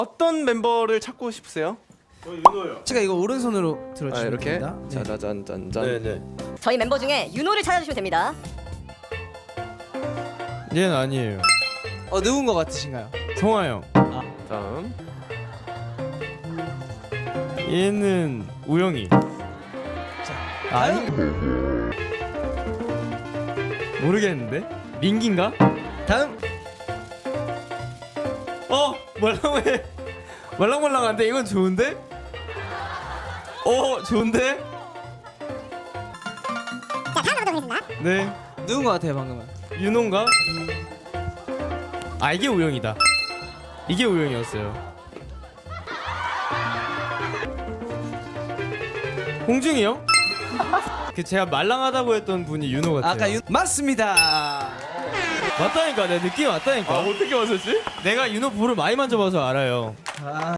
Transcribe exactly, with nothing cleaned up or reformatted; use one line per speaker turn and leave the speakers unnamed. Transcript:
어떤 멤버를 찾고 싶으세요?
저 윤호요.
제가 이거 오른손으로 들어주시면
아, 이렇게?
됩니다. 네.
짜자잔짠짠.
네네.
저희 멤버 중에 윤호를 찾아주시면 됩니다.
얘는 아니에요.
어 누군 것 같으신가요?
성화 형.
다음.
얘는 우영이. 아니. 모르겠는데? 민기인가?
다음
어 말랑해. 말랑말랑한데 이건 좋은데? 어 좋은데?
자, 다음 멤버 보겠습니다.
네.
누군 것 같아요 방금은?
윤호인가? 아 이게 우영이다. 이게 우영이었어요. 홍중이 형? 그 제가 말랑하다고 했던 분이 윤호 같아요.
아까 윤 맞습니다.
맞다니까 내 느낌이 왔다니까.
아, 어떻게 맞췄지?
내가 윤호 볼을 많이 만져봐서 알아요.
아.